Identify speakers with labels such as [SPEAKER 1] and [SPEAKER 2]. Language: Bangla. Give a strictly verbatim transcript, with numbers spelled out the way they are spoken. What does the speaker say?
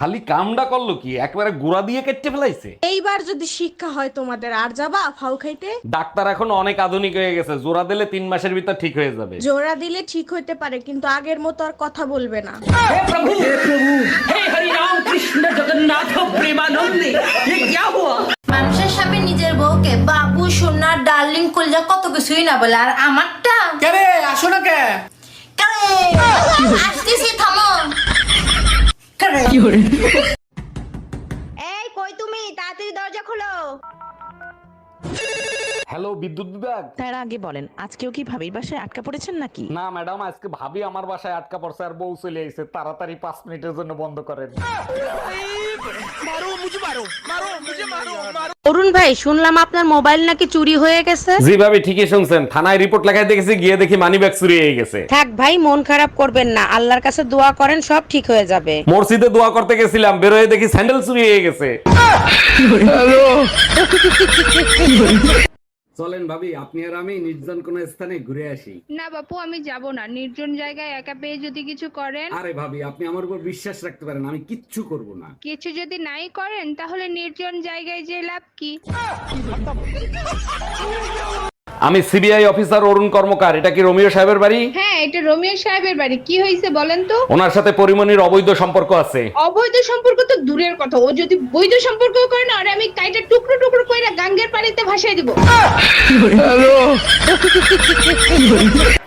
[SPEAKER 1] খালি কামডা করলো কি, একবারে গুড়া দিয়ে কেটে ফেলাইছে।
[SPEAKER 2] এইবার যদি শিক্ষা হয় তোমাদের, আর যাবা ফাউ খাইতে?
[SPEAKER 1] ডাক্তার এখন অনেক আধুনিক হয়ে গেছে, জোড়া দিলে তিন মাসের ভিতর ঠিক হয়ে যাবে।
[SPEAKER 2] জোড়া দিলে ঠিক হইতে পারে, কিন্তু আগের মতো আর কথা বলবে না।
[SPEAKER 3] মানুষের সামনে নিজের বউকে বাবু সোনা ডার্লিং কলিজা কত কিছুই না বলে, আর আমারটা
[SPEAKER 4] কেরে আসো না কে?
[SPEAKER 3] কারে আসতেছি, থামো। কারে
[SPEAKER 2] এই কই তুমি, তাড়াতাড়ি দরজা খোলো।
[SPEAKER 1] হ্যালো, বিদ্যুৎ বিভাগ।
[SPEAKER 5] তার আগে বলেন, আজকেও কি ভাবির বাসায় আটকা পড়েছেন নাকি?
[SPEAKER 1] না ম্যাডাম, আজকে ভাবি আমার বাসায় আটকা পড়ছে আর বউ চলে আইছে। তাড়াতাড়ি পাঁচ মিনিটের জন্য বন্ধ করেন।
[SPEAKER 6] অরুণ ভাই, শুনলাম আপনার মোবাইল নাকি চুরি হয়ে গেছে।
[SPEAKER 1] জি ভাবি, ঠিকই শুনছেন। থানায় রিপোর্ট লেখায় দেখেছি, গিয়ে দেখি মানি ব্যাগ চুরি হয়ে গেছে।
[SPEAKER 6] থাক ভাই, মন খারাপ করবেন না, আল্লাহর কাছে দোয়া করেন, সব ঠিক হয়ে যাবে।
[SPEAKER 1] মসজিদে দোয়া করতে গেছিলাম, বেরোয় দেখি স্যান্ডেল চুরি হয়ে গেছে। চলেন ভাবি, আপনি আর আমি নির্জন কোন স্থানে ঘুরে আসি।
[SPEAKER 7] না বাপু, আমি যাব না। নির্জন জায়গায় একা পেয়ে যদি কিছু করেন।
[SPEAKER 1] আরে ভাবি, আপনি আমার উপর বিশ্বাস রাখতে পারেন, আমি কিচ্ছু করব না।
[SPEAKER 7] কিছু যদি নাই করেন, তাহলে নির্জন জায়গায় যে লাভ কি?
[SPEAKER 1] আমি সিবিআই অফিসার অরুণ কর্মকার। এটা কি রোমিও সাহেবের বাড়ি?
[SPEAKER 7] হ্যাঁ, এটা রোমিও সাহেবের বাড়ি। কি হয়েছে বলেন তো?
[SPEAKER 1] ওনার সাথে পরিমণির অবৈধ সম্পর্ক আছে।
[SPEAKER 7] অবৈধ সম্পর্ক তো দূরের কথা, ও যদি বৈধ সম্পর্ক করে না, আর আমি কাইটা টুকরো টুকরো করে গাঙ্গের পানিতে ভাসাই দিব।